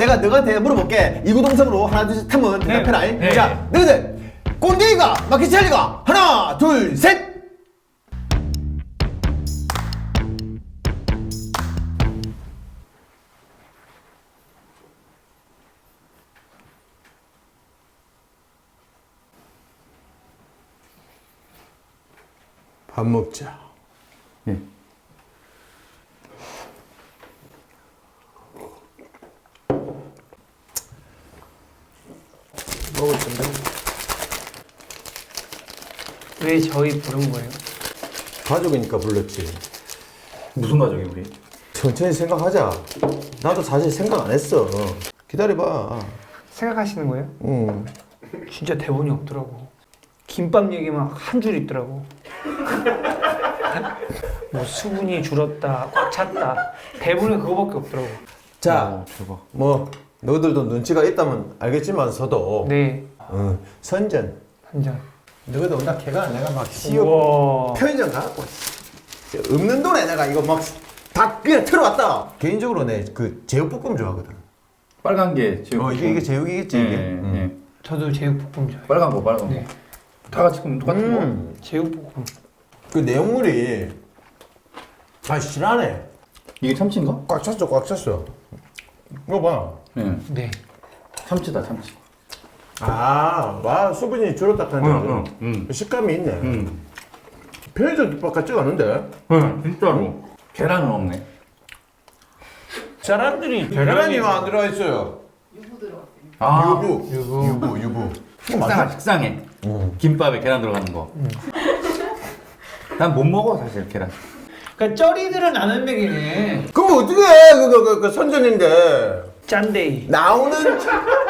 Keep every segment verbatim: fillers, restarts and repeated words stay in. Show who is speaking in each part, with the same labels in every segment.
Speaker 1: 내가 너한테 물어볼게. 이구동성으로 하나 둘 셋 하면 대답해라.
Speaker 2: 네, 네.
Speaker 1: 자, 너희들 꼰대이가 마키첼리가 하나 둘 셋. 밥 먹자.
Speaker 2: 예.
Speaker 1: 먹을 텐데.
Speaker 3: 왜 저희 부른 거예요?
Speaker 1: 가족이니까 불렀지.
Speaker 2: 무슨 가족이 우리?
Speaker 1: 천천히 생각하자. 나도 사실 생각 안 했어. 기다려봐.
Speaker 3: 생각하시는 거예요?
Speaker 1: 응.
Speaker 3: 진짜 대본이 없더라고. 김밥 얘기만 한 줄 있더라고. 뭐 수분이 줄었다, 꽉 찼다. 대본에 그거밖에 없더라고.
Speaker 1: 자,
Speaker 2: 어, 대박.
Speaker 1: 뭐 너희들도 눈치가 있다면 알겠지만서도
Speaker 3: 네,
Speaker 1: 어, 선전.
Speaker 3: 한 잔.
Speaker 1: 너희들 온다 캐가 내가 막 시어
Speaker 3: 우와.
Speaker 1: 편의점 가갖고 씨, 없는 돈에 내가 이거 막 다 그냥 틀어왔다. 개인적으로 내 그 제육볶음 좋아하거든.
Speaker 2: 빨간 게 제육.
Speaker 1: 어 이게 이게 제육이겠지
Speaker 2: 예,
Speaker 1: 이게.
Speaker 2: 예,
Speaker 1: 음.
Speaker 2: 예.
Speaker 3: 저도 제육볶음 좋아해요.
Speaker 2: 빨간 거, 빨간 거.
Speaker 3: 네.
Speaker 2: 다 같이 그럼 똑같은 거.
Speaker 1: 음.
Speaker 3: 제육볶음.
Speaker 1: 그 내용물이 아 실하네.
Speaker 2: 이게 참치인가?
Speaker 1: 꽉 찼어 꽉 찼어. 이거 봐.
Speaker 2: 예.
Speaker 3: 네.
Speaker 2: 참치다, 참치.
Speaker 1: 아, 와 수분이 줄었다 하는데
Speaker 2: 응, 응, 응.
Speaker 1: 식감이 있네.
Speaker 2: 음.
Speaker 1: 편의점 국밥 같지가 않은데.
Speaker 2: 응, 진짜로. 계란은 없네.
Speaker 1: 사람들이 계란이 안 들어가 있어요.
Speaker 2: 아,
Speaker 1: 유부, 유부, 유부, 유부.
Speaker 2: 식상해, 식상해.
Speaker 1: 음.
Speaker 2: 김밥에 계란 들어가는 거. 난 못 먹어, 사실, 계란.
Speaker 3: 그러니까 쩌리들은 아는 맥이네.
Speaker 1: 그럼 어떻게 해? 그거 그, 그 선전인데
Speaker 3: 짠데이.
Speaker 1: 나오는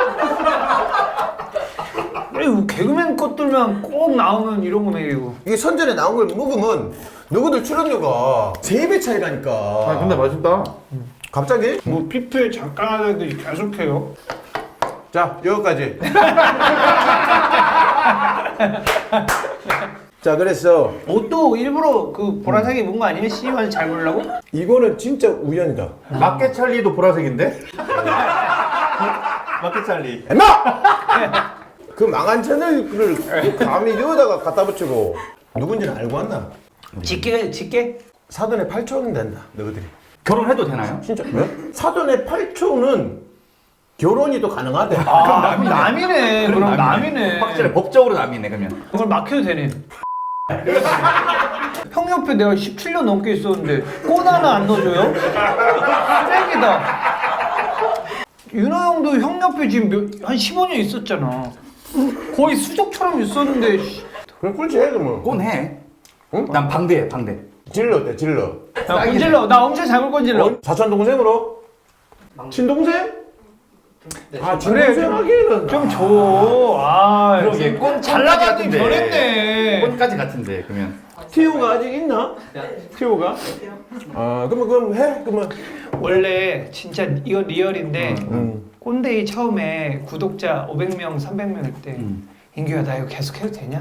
Speaker 3: 아니 개그맨 것들만 꼭 나오는 이런 거 맥이고.
Speaker 1: 이게 선전에 나온 걸 먹으면 누구들 출연료가 세 배 차이라니까.
Speaker 2: 아, 근데 맛있다.
Speaker 1: 갑자기?
Speaker 3: 뭐 피플 잠깐 하더니 계속해요.
Speaker 1: 자 여기까지. 자 그랬어.
Speaker 3: 옷도 일부러 그 보라색 입은 거 아니에요? 씨발 잘 보려고?
Speaker 1: 이거는 진짜 우연이다.
Speaker 2: 마켓 찰리도 보라색인데? 마켓 찰리.
Speaker 1: 엠마! 그 망한 채널을 감히 여기다가 갖다 붙이고 누군지는 알고 왔나?
Speaker 3: 직계 직계?
Speaker 1: 사돈의 팔 초는 된다 너희들이.
Speaker 2: 결혼해도 되나요?
Speaker 1: 진짜 왜? 사돈의 팔 초는 결혼이 또 가능하대.
Speaker 3: 아 남이네. 남이네. 그럼 남이네.
Speaker 2: 확실히 법적으로 남이네, 그러면.
Speaker 3: 그걸 막혀도 되네. 형 옆에 내가 십칠 년 넘게 있었는데 꽃 하나 안 넣어줘요? 쓰레기다. 윤호 형도 형 옆에 지금 몇, 한 십오 년 있었잖아. 거의 수족처럼 있었는데. 씨.
Speaker 1: 그럼 꿀치 해 그러면.
Speaker 2: 꼰해.
Speaker 1: 응?
Speaker 2: 난 방대해, 방대.
Speaker 1: 질러 어때 질러.
Speaker 3: 야, 건질러. 나 엄청 잘 건질러.
Speaker 1: 어? 사촌 동생으로? 친동생? 아
Speaker 3: 그래,
Speaker 1: 친동생
Speaker 3: 좀-
Speaker 1: 하기에는
Speaker 3: 좀 줘. 아,
Speaker 2: 그러게, 꼰,
Speaker 3: 잘 나가긴 변했네.
Speaker 2: 꼰까지 같은데, 그러면.
Speaker 1: 티오가 아직 있나? 티오가? 아 그러면 그럼 해 그러면.
Speaker 3: 원래 진짜 이거 리얼인데
Speaker 1: 음.
Speaker 3: 꼰대이 처음에 구독자 오백 명, 삼백 명일 때
Speaker 2: 음.
Speaker 3: 인규야 나 이거 계속 해도 되냐?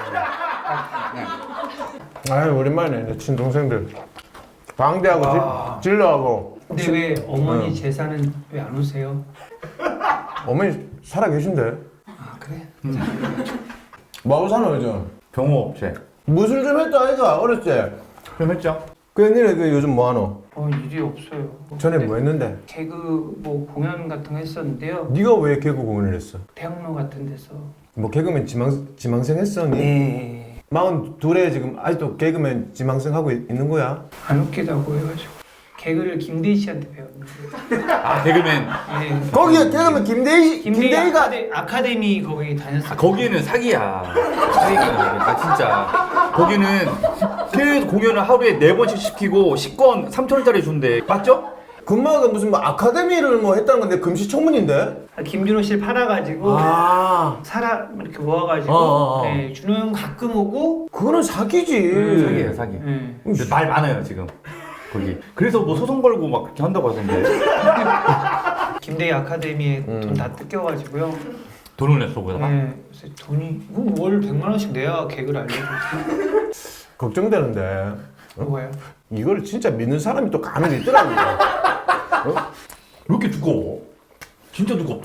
Speaker 1: 아유 오랜만이네 내 친동생들. 방대하고
Speaker 3: 와.
Speaker 1: 질- 질러하고.
Speaker 3: 근데 왜 어머니
Speaker 1: 응.
Speaker 3: 제사는 왜 안 오세요?
Speaker 1: 어머니 살아 계신데.
Speaker 3: 아 그래?
Speaker 1: 뭐하고 사노 요즘?
Speaker 2: 병호업체.
Speaker 1: 무술 좀 했다 아이가 어렸을 때.
Speaker 2: 그럼 했죠?
Speaker 1: 그 니네 그 요즘 뭐하노?
Speaker 3: 어 일이 없어요.
Speaker 1: 전에
Speaker 3: 근데
Speaker 1: 뭐 했는데?
Speaker 3: 개그 뭐 공연 같은 거 했었는데요.
Speaker 1: 네가 왜 개그 공연을 했어?
Speaker 3: 대학로 같은 데서.
Speaker 1: 뭐 개그맨 지망 지망생 했어 니?
Speaker 3: 네.
Speaker 1: 마흔 둘에 지금 아직도 개그맨 지망생 하고 있, 있는 거야?
Speaker 3: 안 웃기다고 해가지고 개그를 김대희 씨한테 배웠는데.
Speaker 2: 아, 개그맨.
Speaker 3: 네.
Speaker 1: 거기에 개그맨 김대희
Speaker 3: 김대희
Speaker 1: 김대희가
Speaker 3: 아카데, 아카데미 거기 다녔어요.
Speaker 2: 아, 거기는 사기야. 사기야. 아, 진짜. 거기는 계속 공연을 하루에 네 번씩 시키고 식권 삼천 원짜리 준대. 맞죠?
Speaker 1: 금마가 무슨 뭐 아카데미를 뭐 했다는 건데 금시초문인데?
Speaker 3: 김준호 씨를 팔아가지고
Speaker 1: 아
Speaker 3: 사람 이렇게 모아가지고
Speaker 1: 어, 어, 어.
Speaker 3: 네, 준호 형 가끔 오고.
Speaker 1: 그거는 사기지.
Speaker 3: 음,
Speaker 2: 사기예요, 사기.
Speaker 3: 네.
Speaker 2: 근데 말 많아요, 지금. 거기. 그래서 뭐 소송 걸고 막 그렇게 한다고 하던데.
Speaker 3: 김대희 아카데미에
Speaker 1: 음.
Speaker 3: 돈 다 뜯겨가지고요.
Speaker 2: 돈을 냈어, 거기다가.
Speaker 3: 네, 그래서 돈이 그럼 월 백만 원씩 내야 개그를 알려주지.
Speaker 1: 걱정되는데
Speaker 3: 뭐예요?
Speaker 1: 이걸 진짜 믿는 사람이 또 간혹 있더라고요. 어?
Speaker 2: 왜 이렇게 두꺼워? 진짜 두껍다.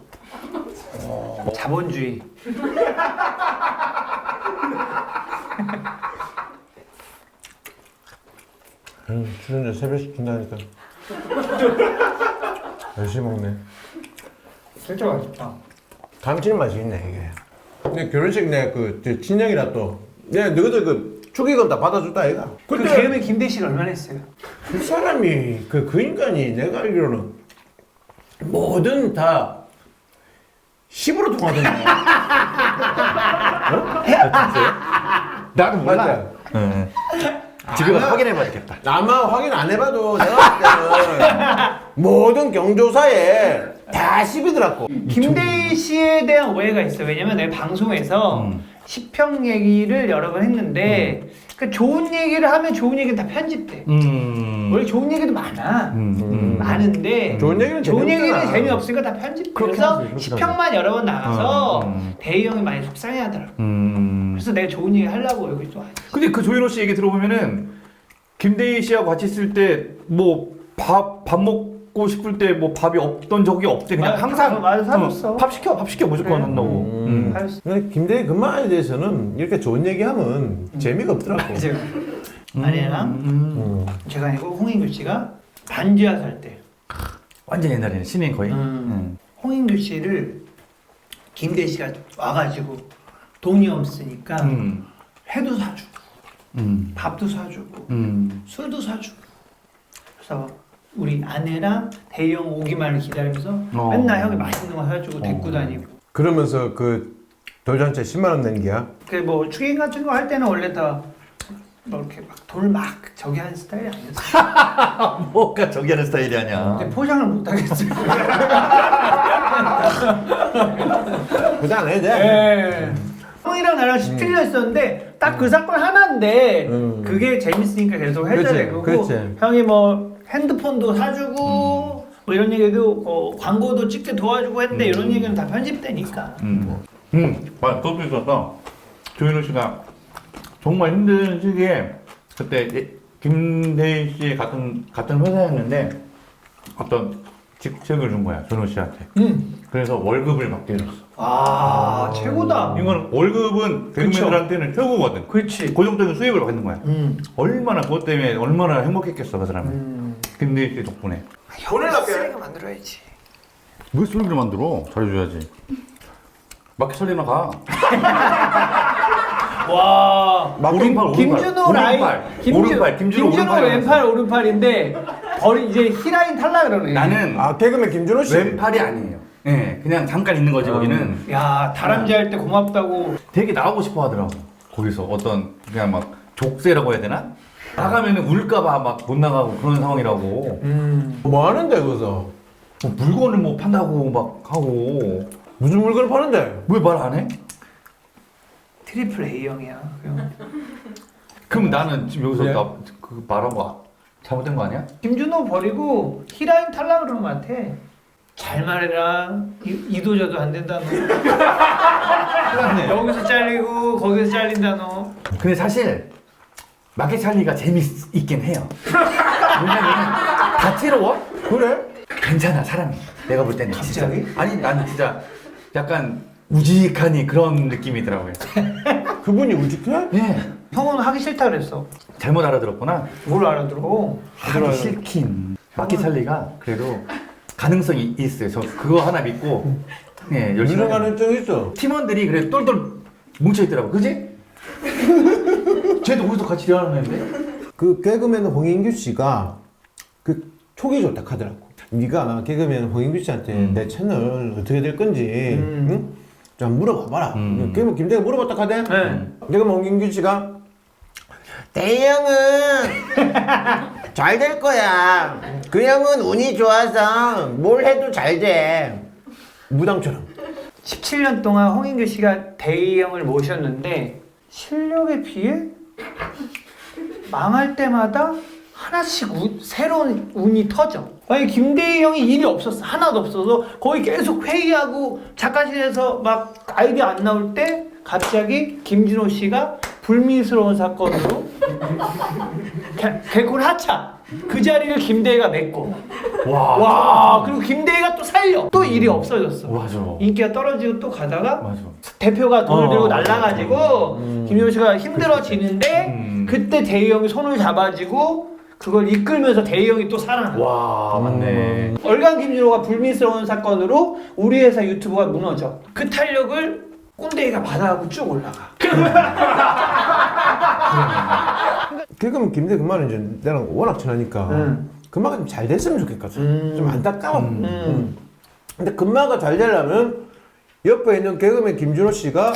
Speaker 3: 자본주의.
Speaker 1: 음, 출연료 세 배씩 준다니까. 열심히 먹네.
Speaker 3: 진짜 맛있다.
Speaker 1: 감칠맛이 있네 이게. 근데 결혼식 내그 친형이라 또 내가 너희들 그 축의금 다 받아줬다 아이가.
Speaker 3: 그
Speaker 1: 그때
Speaker 3: 개그맨 김대 씨가 얼마나 했어요?
Speaker 1: 그 사람이 그, 그 인간이 내가 알기로는 뭐든 다 십으로 통하던데.
Speaker 2: 나도
Speaker 1: 맞지?
Speaker 2: 응. 집에 가서
Speaker 1: 아마-
Speaker 2: 확인해봐야 되겠다.
Speaker 1: 아마 확인 안 해봐도 내가 봤을 때는 모든 경조사에 다 십이더라고.
Speaker 3: 김대희 씨에 대한 오해가 있어요. 왜냐면 내가 방송에서
Speaker 2: 음.
Speaker 3: 시평 얘기를 여러 번 했는데 그 좋은 얘기를 하면 좋은 얘기는 다 편집돼.
Speaker 2: 음.
Speaker 3: 원래 좋은 얘기도 많아.
Speaker 2: 음. 음.
Speaker 3: 많은데
Speaker 1: 좋은 얘기는
Speaker 3: 좋은 얘기는
Speaker 1: 재미없잖아.
Speaker 3: 재미없으니까 다 편집.
Speaker 1: 그렇게
Speaker 3: 그래서
Speaker 1: 하지, 그렇게
Speaker 3: 시평만 여러 번 나가서
Speaker 2: 음, 음.
Speaker 3: 대희 형이 많이 속상해하더라고.
Speaker 2: 음.
Speaker 3: 그래서 내가 좋은 얘기 하려고 여기 또.
Speaker 2: 근데 그 조윤호 씨 얘기 들어보면은 김대희 씨하고 같이 있을 때 뭐 밥 밥 먹고 싶을 때 뭐 밥이 없던 적이 없대. 그냥
Speaker 3: 맞아,
Speaker 2: 항상
Speaker 3: 맞아, 사줬어.
Speaker 2: 어, 밥 시켜 밥 시켜 무조건
Speaker 3: 그래.
Speaker 2: 한다고.
Speaker 1: 음.
Speaker 2: 음.
Speaker 1: 근데 김대희 그만에 대해서는 이렇게 좋은 얘기하면 재미가 없더라고.
Speaker 3: 이제 아내랑
Speaker 2: 음.
Speaker 1: 음.
Speaker 3: 제가 아니고 홍인규 씨가 반지하 살 때
Speaker 2: 완전 옛날에는 신인 거의.
Speaker 3: 음.
Speaker 2: 음.
Speaker 3: 홍인규 씨를 김대희 씨가 와가지고 돈이 없으니까
Speaker 2: 음.
Speaker 3: 회도 사주고
Speaker 2: 음.
Speaker 3: 밥도 사주고
Speaker 2: 음.
Speaker 3: 술도 사주고 그래서 우리 아내랑 대희 형 오기만을 기다리면서
Speaker 2: 어.
Speaker 3: 맨날 형이 맛있는 거 사주고 데리고
Speaker 2: 어.
Speaker 3: 다니고
Speaker 1: 그러면서 그 돌잔치 십만 원 낸 게야.
Speaker 3: 그 뭐 축인 같은 거 할 때는 원래 다 뭐 이렇게 막 돌 막 저기 하는 스타일이 아니었어.
Speaker 2: 뭐가 저기 하는 스타일이 아니야.
Speaker 3: 근데 포장을 못 하겠어.
Speaker 1: 그다 안 해도 돼.
Speaker 3: 네. 형이랑 나랑 십칠 년 있었는데 딱 그 사건 하나인데
Speaker 1: 음.
Speaker 3: 그게 재밌으니까 계속 해줘야
Speaker 1: 그치,
Speaker 3: 되고
Speaker 1: 그치.
Speaker 3: 형이 뭐 핸드폰도 사주고 뭐 이런 얘기도 어, 광고도 찍게 도와주고 했는데 이런 얘기는 다 편집되니까.
Speaker 2: 음. 음. 맞아. 그것도 있었어. 조윤호 씨가 정말 힘든 시기에 그때 예- 김대희 씨 같은 같은 회사였는데 어떤 직책을 준 거야 조윤호 씨한테.
Speaker 3: 음.
Speaker 2: 그래서 월급을 받게 해줬어.
Speaker 3: 아 최고다.
Speaker 2: 이거는 월급은
Speaker 3: 그쵸.
Speaker 2: 개그맨들한테는 최고거든.
Speaker 3: 그렇지.
Speaker 2: 고정적인 수입을 받는 거야.
Speaker 3: 음.
Speaker 2: 얼마나 그것 때문에 얼마나 행복했겠어 그 사람은.
Speaker 3: 음.
Speaker 2: 김대희 씨 덕분에.
Speaker 3: 돈을 쓰레기 만들어야지.
Speaker 2: 왜 소리를 만들어? 잘해줘야지. 마켓 처리나 가.
Speaker 3: 와.
Speaker 1: 막
Speaker 2: 오른팔, 오른팔.
Speaker 3: 김준호 라인.
Speaker 2: 오른팔.
Speaker 3: 김준-
Speaker 2: 오른팔. 김준호
Speaker 3: 김준호
Speaker 2: 오른팔.
Speaker 3: 왼팔 오른팔인데 버리 이제 히라인 탈락 그러네.
Speaker 2: 나는
Speaker 1: 아 개그맨 김준호 씨.
Speaker 2: 왼팔이 아니에요. 예, 네, 그냥 잠깐 있는 거지 거기는.
Speaker 3: 야 다람쥐 할 때 고맙다고.
Speaker 2: 되게 나오고 싶어 하더라고. 거기서 어떤 그냥 막 족쇄라고 해야 되나? 나가면은 울까봐 막 못 나가고 그런 상황이라고.
Speaker 3: 음.
Speaker 1: 뭐 하는데 거기서?
Speaker 2: 뭐 물건을 뭐 판다고 막 하고.
Speaker 1: 무슨 물건을 파는데?
Speaker 2: 왜 말 안 해?
Speaker 3: 트리플 A형이야. 그냥.
Speaker 2: 그럼 나는 지금 여기서
Speaker 1: 그래?
Speaker 2: 나 그 말한 거 잘못된 거 아니야?
Speaker 3: 김준호 버리고 히라인 탈락 그러는 것 같아. 잘 말해라. 이, 이도저도 안 된다 너. 여기서 잘리고 거기서 잘린다 너.
Speaker 2: 근데 사실 마켓 찰리가 재미있긴 해요. 왜냐면 다채로워?
Speaker 1: 그래?
Speaker 2: 괜찮아 사람이. 내가 볼 때는
Speaker 3: 갑자기?
Speaker 2: 진짜. 아니 나는 진짜 약간 우직하니 그런 느낌이더라고요.
Speaker 1: 그분이 우직해?
Speaker 2: 예.
Speaker 3: 형은 하기 싫다 그랬어.
Speaker 2: 잘못 알아들었구나.
Speaker 3: 뭘 알아들어?
Speaker 2: 하기 싫긴. 마켓 찰리가 그래도 가능성이 있어요. 저 그거 하나 믿고 예 열심히.
Speaker 1: 유능한 일정 있어.
Speaker 2: 팀원들이 그래 똘똘 뭉쳐 있더라고. 그지? 쟤도 우리도 같이 대화하는데.
Speaker 1: 그 개그맨 홍인규 씨가 그 촉이 좋다 하더라고. 네가 개그맨 홍인규 씨한테
Speaker 2: 음.
Speaker 1: 내 채널 어떻게 될 건지
Speaker 3: 음.
Speaker 1: 응? 좀 물어봐봐라.
Speaker 2: 음.
Speaker 1: 개그맨 김대가 물어봤다 하대.
Speaker 3: 네.
Speaker 1: 개그맨 홍인규 씨가 대형은 잘 될 거야. 그 형은 운이 좋아서 뭘 해도 잘 돼. 무당처럼.
Speaker 3: 십칠 년 동안 홍인규 씨가 대희 형을 모셨는데 실력에 비해 망할 때마다 하나씩 우, 새로운 운이 터져. 아니 김대희 형이 일이 없었어. 하나도 없어서 거의 계속 회의하고 작가실에서 막 아이디어 안 나올 때 갑자기 김준호 씨가 불미스러운 사건으로 개, 개콘 하차 그 자리를 김대희가 맺고
Speaker 2: 와.
Speaker 3: 와 그리고 김대희가 또 살려 또 일이 없어졌어.
Speaker 2: 맞아.
Speaker 3: 인기가 떨어지고 또 가다가
Speaker 2: 맞아.
Speaker 3: 대표가 돈을
Speaker 2: 어.
Speaker 3: 들고 날라가지고
Speaker 1: 음.
Speaker 3: 김효 씨가 힘들어지는데
Speaker 2: 음.
Speaker 3: 그때 대희 형이 손을 잡아주고 그걸 이끌면서 대희 형이 또 살아나.
Speaker 2: 와, 맞네.
Speaker 3: 얼간 김준호가 불미스러운 사건으로 우리 회사 유튜브가 무너져. 그 탄력을 꼰대이가 받아가고 쭉 올라가.
Speaker 1: 개그맨 김대 금마는 이제 나랑 워낙 친하니까
Speaker 3: 음.
Speaker 1: 금마가 좀 잘 됐으면 좋겠거든.
Speaker 3: 음.
Speaker 1: 좀 안타까워.
Speaker 2: 음.
Speaker 1: 음. 근데 금마가 잘 되려면 옆에 있는 개그맨 김준호 씨가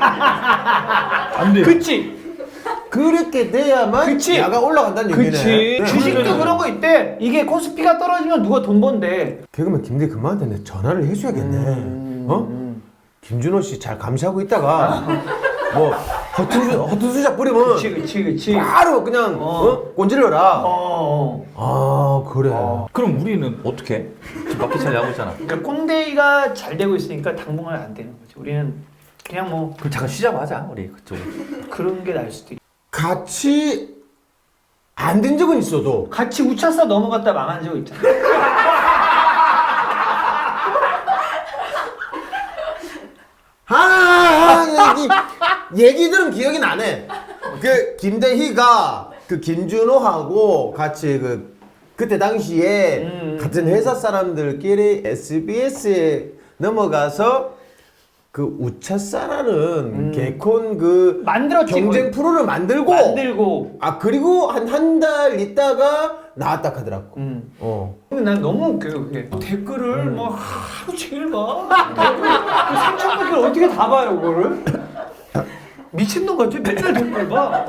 Speaker 2: 안 돼.
Speaker 3: 그치?
Speaker 1: 그렇게 돼야만
Speaker 3: 그치.
Speaker 1: 야가 올라간다는 얘기네.
Speaker 3: 그치.
Speaker 1: 네.
Speaker 3: 주식도 그런 거 있대. 이게 코스피가 떨어지면 누가 돈 번대.
Speaker 1: 개그맨 김대 금마한테 내 전화를 해줘야겠네.
Speaker 3: 음.
Speaker 1: 어? 김준호 씨 잘 감시하고 있다가 뭐 허투수 허투수작 부리면
Speaker 3: 그치, 그치, 그치.
Speaker 1: 바로 그냥
Speaker 3: 어.
Speaker 1: 어? 꼰질러라.
Speaker 3: 어.
Speaker 1: 아 그래.
Speaker 2: 그럼 우리는 어떻게? 지금 마켓 잘 하고 있잖아.
Speaker 3: 그러니까 꼰대이가 잘 되고 있으니까 당분간 안 되는 거지. 우리는 그냥 뭐
Speaker 2: 그럼 잠깐 쉬자고 하자, 우리 그쪽에.
Speaker 3: 그런 게 나을 수도 있.
Speaker 1: 같이 안 된 적은 있어도
Speaker 3: 같이 우차사 넘어갔다 망한 적 있잖아.
Speaker 1: 아, 아 얘기 얘기들은 기억이 나네. 그 김대희가 그 김준호하고 같이 그 그때 당시에
Speaker 3: 음,
Speaker 1: 같은 회사 사람들끼리 에스비에스에 넘어가서 그 우차사라는
Speaker 3: 음.
Speaker 1: 개콘 그
Speaker 3: 만들었지,
Speaker 1: 경쟁
Speaker 3: 거의.
Speaker 1: 프로를 만들고
Speaker 3: 만들고.
Speaker 1: 아 그리고 한 한 달 있다가 나왔다 하더라고.
Speaker 3: 음.
Speaker 1: 어.
Speaker 3: 근데 난 너무 웃겨요 그게. 댓글을 뭐 하루 종일 봐. 댓글 삼천 댓글 어떻게 다 봐요 그거를? 미친놈 같아. 맨날 댓글 봐.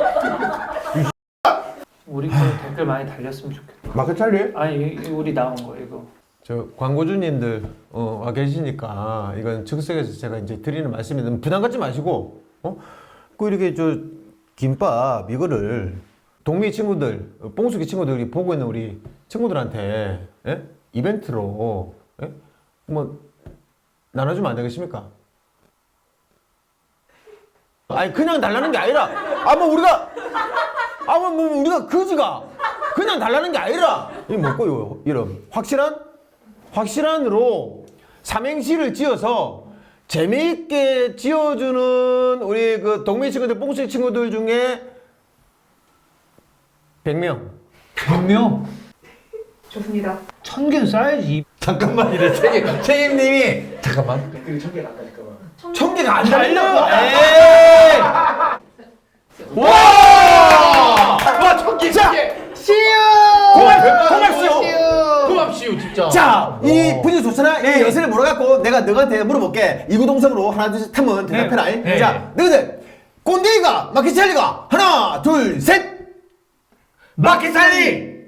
Speaker 3: 우리 거 댓글 많이 달렸으면 좋겠다.
Speaker 1: 마크 찰리?
Speaker 3: 아니 이- 이 우리 나온 거 이거.
Speaker 1: 저 광고주님들 어, 와 계시니까 이건 즉석에서 제가 이제 드리는 말씀인데 부담 갖지 마시고 어? 그 이렇게 저 김밥 이거를 동미 친구들 뽕수기 친구들이 보고 있는 우리 친구들한테 예? 이벤트로 예? 뭐 나눠주면 안 되겠습니까? 아니 그냥 달라는 게 아니라 아 뭐 우리가 아 뭐 뭐 우리가 그지가 그냥 달라는 게 아니라 이 뭐고요 이름 확실한 확실한으로 삼행시를 지어서 재미있게 지어주는 우리 그 동미 친구들 뽕수 친구들 중에 백 명
Speaker 3: 백 명?
Speaker 4: 좋습니다.
Speaker 3: 천 개는 쌓야지.
Speaker 2: 잠깐만 이래 책임 책임님이 잠깐만.
Speaker 1: 천 개가 안
Speaker 3: 달려.
Speaker 1: 달려.
Speaker 3: 에이.
Speaker 2: 와! 와, 천기
Speaker 1: 자,
Speaker 3: 씨유.
Speaker 1: 고맙 고맙시오.
Speaker 2: 고맙시오, 진짜.
Speaker 1: 자, 이 분위기 좋잖아. 이 여세를 물어갖고 내가 너한테 물어볼게. 이구동성으로 하나 둘 셋 하면 대답해라.
Speaker 2: 네.
Speaker 1: 자, 너희들 꼰대이가 마키찰리가 하나 둘 셋.
Speaker 2: 마켓 살리!